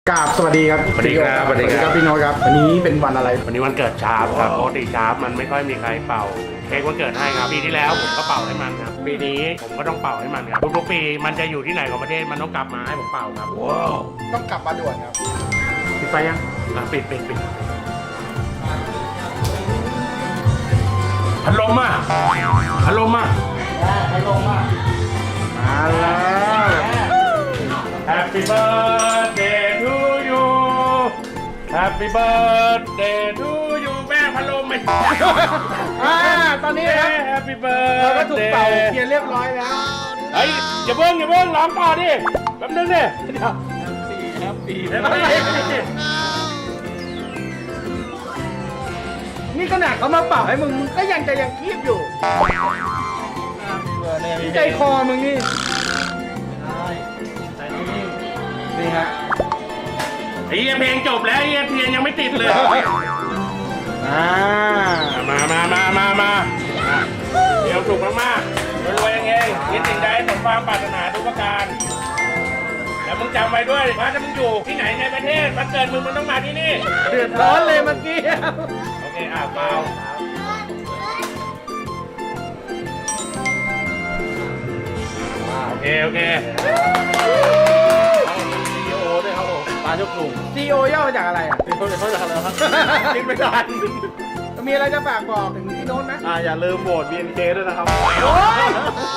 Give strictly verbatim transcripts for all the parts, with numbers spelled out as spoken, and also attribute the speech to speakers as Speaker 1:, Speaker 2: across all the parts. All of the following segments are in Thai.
Speaker 1: กราบสวัสดีครับ
Speaker 2: สวัสดีครับ
Speaker 1: สวัสดีครับพี่โน้ตครับวันนี้เป็นวันอะไร
Speaker 2: วันนี้วันเกิดชาร์ปครับปกติชาร์ปมันไม่ค่อยมีใครเป่าเค้กวันเกิดให้ครับปีที่แล้วผมก็เป่าให้มันครับปีนี้ผมก็ต้องเป่าให้มันครับทุกๆปีมันจะอยู่ที่ไหนของประเทศมันต้องกลับมาให้ผมเป่าครับว้าว
Speaker 1: ต้องกลับมาด่วนครับปิดไฟยัง
Speaker 2: อ่ะปิดปิดปิดพัดลมอ่ะพัดลมอ่ะ
Speaker 1: ให้ลงมามาแล้ว
Speaker 2: Happy birthday to you Happy birthday to you แม่พัดลมไม่
Speaker 1: อ่าตอนนี้นะครับ
Speaker 2: Happy
Speaker 1: เราก็ถูก
Speaker 2: birthday
Speaker 1: เป่าเคลียร์เรียบร้อยแล้ว
Speaker 2: เฮ้ยอย่าเบิ้งอย่าเบิ้งร้องต่อดิแป๊บนึงดิ
Speaker 1: แฮปปี้
Speaker 2: เดี๋ยวก่อนดิ
Speaker 1: นี่ขนาดเขามาเป่าให้มึงมึงก็ยังจะยังคีบอยู่ใจคอมึงนี่นี่ฮะ
Speaker 2: ไอ้เหี้ยเพลงจบแล้วไอ้เหี้ยเทียนยังไม่ติดเลย
Speaker 1: อ่า
Speaker 2: มามามามามาอ่ะเดี๋ยวสุกมากๆรวยๆเองคิดสิ่งใดสมความปรารถนาทุกประการแล้วมึงจำไว้ด้วยว่าถ้ามึงอยู่ที่ไหนในประเทศวันเกิดมึงมึงต้องมาที่นี่
Speaker 1: เดือดร้อนเลยเมื่อกี้
Speaker 2: โอเคอ่ะเปล่าโอเคโอเค
Speaker 1: ซีโอด้วยครับผมปลาเจ้ากลุ่มซีโอย่อมาจากอะไรอ่ะซีโอเขาจากอะไรครับคิดไม่ทันมีอะไรจะฝากบอกถึงพี่โน้ตไหม
Speaker 3: อ่าอย่าลืมโหวต บี เอ็น เค ด้วยนะครับ
Speaker 1: โอ้ย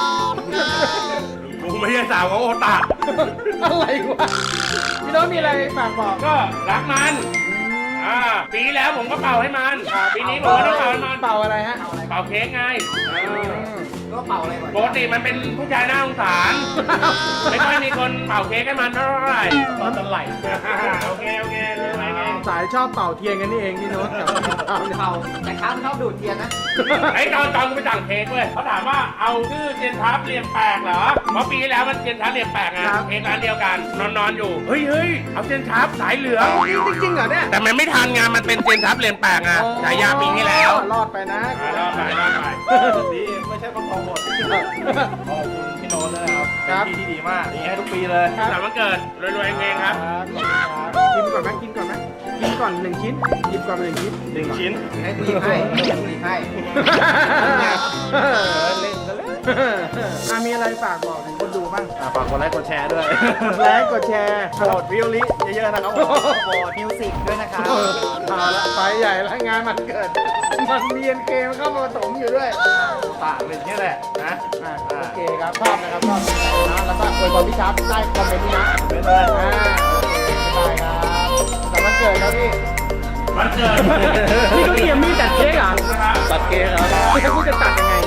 Speaker 2: กูไม่ใช่สาวของโอตา
Speaker 1: อะไรวะพี่โน้ตมีอะไรฝากบอก
Speaker 2: ก็รักมันอ่าปีที่แล้วผมก็เป่าให้มันปีนี้ผมก็ต้องเป่าให้มัน
Speaker 1: เป่าอะไรฮะ
Speaker 2: เป่าเค้กไง
Speaker 1: ก็เป่าอะไรก่อน
Speaker 2: ปกติมันเป็นผู้ชายน่าสงสาร ไม่ค่อยมีคนเป่าเค้กให้มันเท่าไหร่ตอนจะไหลโอเคโอเคเลยไงไง
Speaker 1: สายชอบเป่าเทียนกันนี่เองพี่โน้ตกับพี่เป่าเป่าแต่ค้ามันชอบดูดเทียนนะ
Speaker 2: ไอ้ตอนตอนกูไปสั่งเค้กเว้ยเขาถามว่าเอาชื่อเจนทับเรียมแปลกเหรอเพราะปีที่แล้วมันเจนทับเรียมแปลกไงเค้กร้านเดียวกันนอนนอนอยู่เฮ้ยเฮ้ยเอาเจนทับสายเหลือง
Speaker 1: จริงๆเหรอเนี่ย
Speaker 2: แต่มันไม่ทันไงมันเป็นเจนทับเรียมแปลกไงฉายาปีที่แล้ว
Speaker 1: รอดไปนะ
Speaker 2: อ่ารอดไปรอดไป
Speaker 3: นี่ไม่ใช่ประกอบหมด ขอบคุณพี่โน้ตด้วยนะครับ
Speaker 1: ครับ
Speaker 3: เป็นที่ที่ดีมากดีให้ทุกปีเลย
Speaker 2: สามวันเกิดรวยๆเองครับ
Speaker 1: กินก่อนไหมกินก่อนไหมกินก่อนหนึ่งชิ้นหยิบก่อนหนึ่งชิ้น
Speaker 3: หนึ่งชิ้น
Speaker 1: ให้กูหยิบให้กูหยิบให้เล่นกันเลยอ่ะมีอะไรฝากบอกถึงคนดูบ้าง
Speaker 3: อ่าฝากกดไลค์กดแชร์ด้วย
Speaker 1: กดไลค์กดแชร์
Speaker 3: โหวตวิวลิเยอะๆนะครับผมโหวตมิวสิกด้วยนะครับ
Speaker 1: เอาละไปใหญ่แล้วงานมันเกิด มันเรียนเกมเข้ามาผสมอยู่ด้วย
Speaker 3: ตากเป็นอย่างนี้แหละนะ
Speaker 1: อ่ะโอเคครับชอบนะครับชอบนะแล้วก็อวยพรพี่ชาร์ปใต้คอมเมนต์นี้นะ
Speaker 3: เป็นเลย
Speaker 1: อ่าโอเคได้ครับแต่วันเกิดครับพี่
Speaker 2: วันเกิด
Speaker 1: นี่ก็เตรียมมีดตัดเค้กเหรอ
Speaker 3: ตัดเกมครับ
Speaker 1: พี่จะตัดยังไง